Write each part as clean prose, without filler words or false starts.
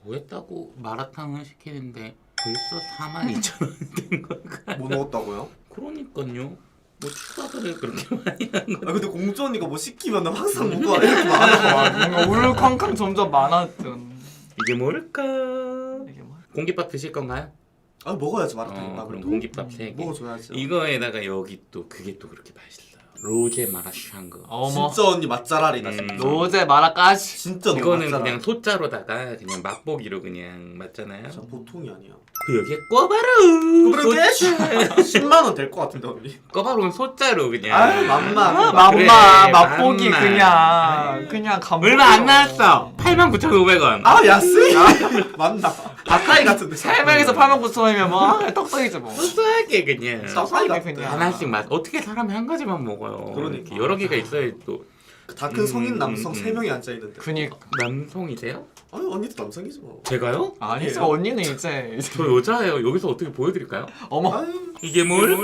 뭐 했다고 마라탕을 시키는데 벌써 42,000원 된 걸까? 뭐 넣었다고요? 그러니까요. 뭐 추가를 그렇게 많이 한 거. 아 근데 공주 언니가 뭐 시키면 항상 뭐가 이렇게 많아. 뭔가 울캉캉 점점 많았던. 이게 뭘까? 이게 뭐? 공깃밥 드실 건가요? 아 먹어야지 마라탕. 그럼 공깃밥 3개. 먹어줘야지. 이거에다가 여기 또 그게 또 그렇게 맛있어요. 로제 마라샹궈. 어머. 진짜 언니 맛잘알이다 진짜. 로제 마라까지. 진짜 너무 이거는 맛잘알. 그냥 소자로다가 그냥 맛보기로 그냥 맞잖아요. 진짜 보통이 아니야. 그 여기에 꿔바로. 그렇게 10만 원 될 것 같은데 언니. 꿔바로는 소자로 그냥. 아 맘마. 맘마 그래, 맛보기 맘마. 그냥 감. 얼마 안 나왔어. 89,500원. 아 야스? 맞나? 아카이 같은데. 3명에서 89,000원이면 뭐 떡떡이지 뭐. 소소하게 그냥. 떡볶이가 그냥. 하나씩 맛. 어떻게 사람이 한 가지만 먹어요. 그러니까. 이렇게 여러 개가 있어야 또. 다 큰 성인 남성 3명이 앉아 있는데. 그니까. 남성이세요? 아니 언니도 남성이지 뭐. 제가요? 아니죠 언니는 이제 저 여자예요. 여기서 어떻게 보여드릴까요? 어머. 아유 이게 뭘까?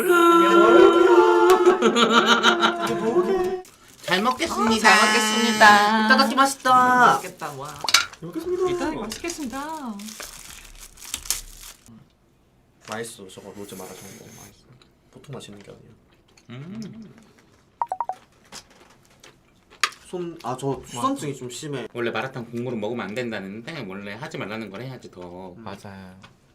이게 뭐게? 잘 먹겠습니다. 잘 먹겠습니다. 이따다키 맛있다. 맛있겠다 와. 먹겠습니다. 이따 맛있겠습니다. 맛있어 저거 로제 마라샹궈 맛있어. 보통 맛있는 게 아니야. 저 수선증이 좀 심해. 원래 마라탕 국물은 먹으면 안 된다는데 원래 하지 말라는 걸 해야지 더. 맞아요.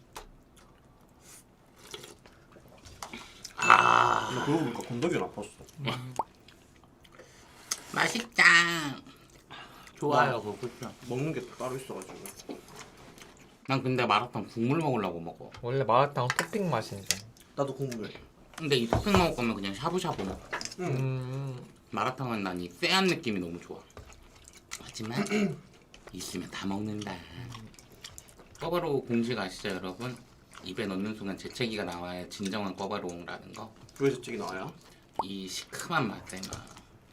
아 근데 그러고 보니까 건더기는 아팠어. 맛있다. 좋아요 그거 그렇죠. 먹는 게 따로 있어가지고. 난 근데 마라탕 국물 먹으려고 먹어. 원래 마라탕 토핑 맛인데. 나도 국물. 근데 이 토핑 먹을 거면 그냥 샤브샤브 먹어. 음. 마라탕은 난 이 쎄한 느낌이 너무 좋아. 하지만 있으면 다 먹는다. 꿔바로우 공식 아시죠 여러분? 입에 넣는 순간 재채기가 나와야 진정한 꿔바로우라는 거. 왜 저쪽이 나와요? 이 시큼한 맛에 막.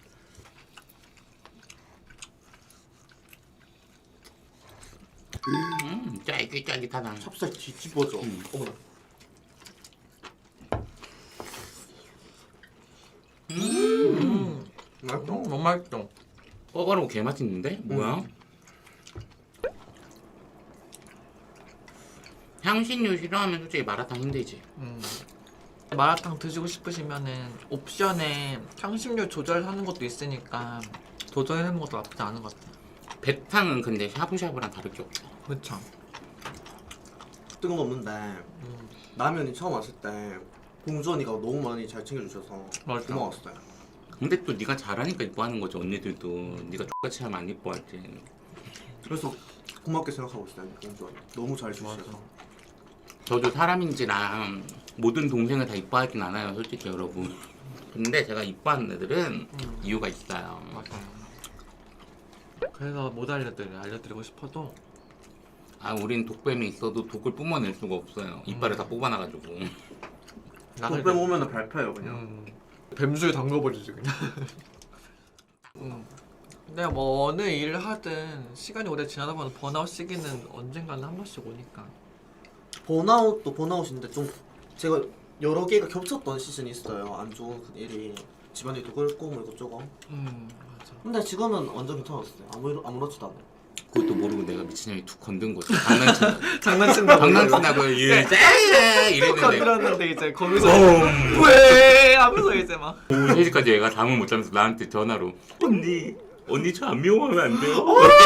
쫄깃쫄깃하다. 찹쌀 뒤집어져. 어머나. 맛있다. 너무 맛있어. 꿔바로우 개 맛있는데? 뭐야? 향신료 싫어하면 솔직히 마라탕 힘들지. 마라탕 드시고 싶으시면은 옵션에 향신료 조절하는 것도 있으니까 도전해보는 것도 나쁘지 않은 것 같아요. 배탕은 근데 샤브샤브랑 다를 게 없어. 그쵸? 뜨거운 거 없는데 라면이 처음 왔을 때 공주 언니가 너무 많이 잘 챙겨주셔서 맞아. 고마웠어요. 근데 또 네가 잘하니까 이뻐하는 거지. 언니들도 네가 똑같이 하면 안 이뻐하지. 그래서 고맙게 생각하고 있어요 공주 언니. 너무 잘 주셔서. 저도 사람인지랑 모든 동생을 다 이뻐하진 않아요 솔직히 여러분. 근데 제가 이뻐하는 애들은 이유가 있어요. 맞아요. 그래서 못 알려드리고 싶어도 아 우린 독뱀이 있어도 독을 뿜어낼 수가 없어요. 이빨을 다 뽑아놔가지고. 독뱀 오면은 발표해요 그냥. 뱀수에 담궈버리지 그냥. 근데 뭐 어느 일을 하든 시간이 오래 지나다 보면 번아웃 시기는 언젠가는 한 번씩 오니까. 번아웃도 번아웃인데 좀 제가 여러 개가 겹쳤던 시즌이 있어요. 안 좋은 그 일이 집안일도 그렇고 뭐 이것저것. 맞아. 근데 지금은 완전 괜찮았어요. 아무렇지도 않아요. 그것도 모르고 내가 미친년이 툭 건든 거지. 장난친다. 장난친다고. 장난친다고 이랬는데 건드렸는데 이제 거기서 왜 하면서 이제 막 3시까지 얘가 잠을 못 자면서 나한테 전화로 언니 저 안 미워하면 안 돼요?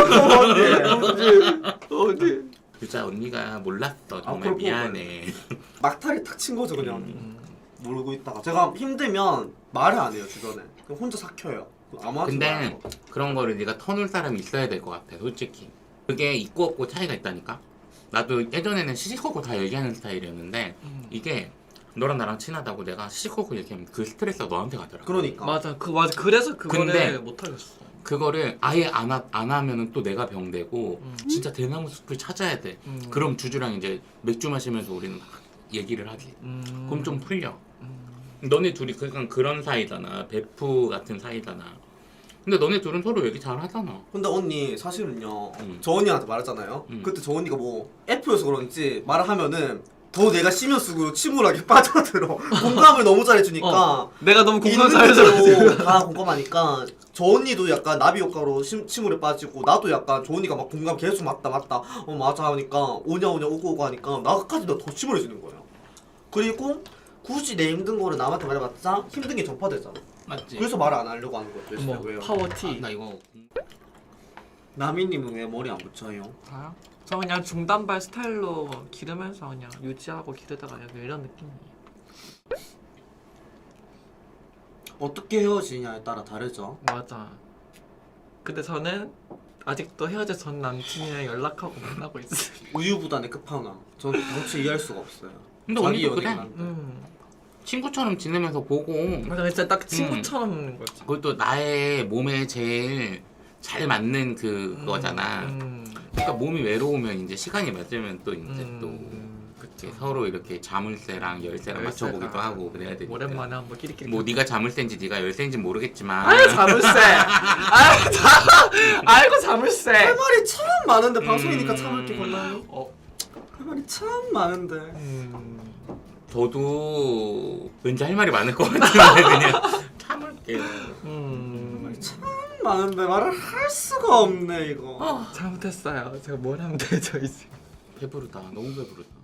어디? 진짜 언니가 몰랐어. 정말 그럴 미안해. 막타를 탁 친 거죠 그냥. 모르고 있다가 제가 힘들면 말을 안 해요 주변에. 그냥 혼자 삭혀요. 아무한테 근데 말 안 하고. 그런 거를 네가 터놓을 사람이 있어야 될 것 같아 솔직히. 그게 있고 없고 차이가 있다니까. 나도 예전에는 시시콜콜 다 얘기하는 스타일이었는데 이게 너랑 나랑 친하다고 내가 시시콜콜 얘기하면 그 스트레스가 너한테 가더라. 그러니까. 맞아 그래서 그거를 근데 못 하겠어. 그거를 아예 안 하면은 또 내가 병되고 진짜 대나무 숲을 찾아야 돼. 그럼 주주랑 이제 맥주 마시면서 우리는 막 얘기를 하지. 그럼 좀 풀려. 너네 둘이 그냥 그런 사이잖아. 베프 같은 사이잖아. 근데 너네 둘은 서로 얘기 잘 하잖아. 근데 언니 사실은요. 저 언니한테 말했잖아요. 그때 저 언니가 뭐 F여서 그런지 말을 하면은 더 내가 시면수고 침울하게 빠져들어. 공감을 너무 잘해주니까. 내가 너무 공감 있는 잘해줘. 그대로 다 공감하니까 저 언니도 약간 나비 효과로 침울에 빠지고 나도 약간 저 언니가 막 공감 계속 맞다 맞아 하니까 오냐 오고 하니까 나까지 더 침울해지는 거예요. 그리고 굳이 내 힘든 거를 남한테 말해봤자 힘든 게 전파되잖아. 맞지? 그래서 말 안 하려고 하는 거죠. 진짜 어머 왜요? 파워티. 나 이거 나미님은 왜 머리 안 붙여요? 저요? 저 그냥 중단발 스타일로 기르면서 그냥 유지하고 기르다가 약간 이런 느낌이에요. 어떻게 헤어지냐에 따라 다르죠. 맞아. 근데 저는 아직도 헤어져 전 남친이랑 연락하고 만나고 있어요. 우유부단의 끝판왕. 저는 도대체 이해할 수가 없어요. 근데 자기 언니도 연예인 그래. 한데. 친구처럼 지내면서 보고 맞아, 진짜 딱 친구처럼 있는 거지. 그것도 나의 몸에 제일 잘 맞는 그거잖아. 그러니까 몸이 외로우면 이제 시간이 맞으면 또 이제 또 그쵸. 이렇게 서로 이렇게 자물쇠랑 열쇠랑 맞춰보기도 하고 그래야 되니까. 오랜만에 한번 끼리끼리. 뭐 네가 자물쇠인지 네가 열쇠인지 모르겠지만 아유 자물쇠. 아이고 자물쇠. 할 말이 참 많은데 방송이니까 참을 게 골라요. 할 말이 참 많은데. 저도 왠지 할 말이 많을 것 같은데 그냥 참을게요. 참 많은데 말을 할 수가 없네 이거. 잘못했어요. 제가 뭘 하면 되죠 이제. 배부르다. 너무 배부르다.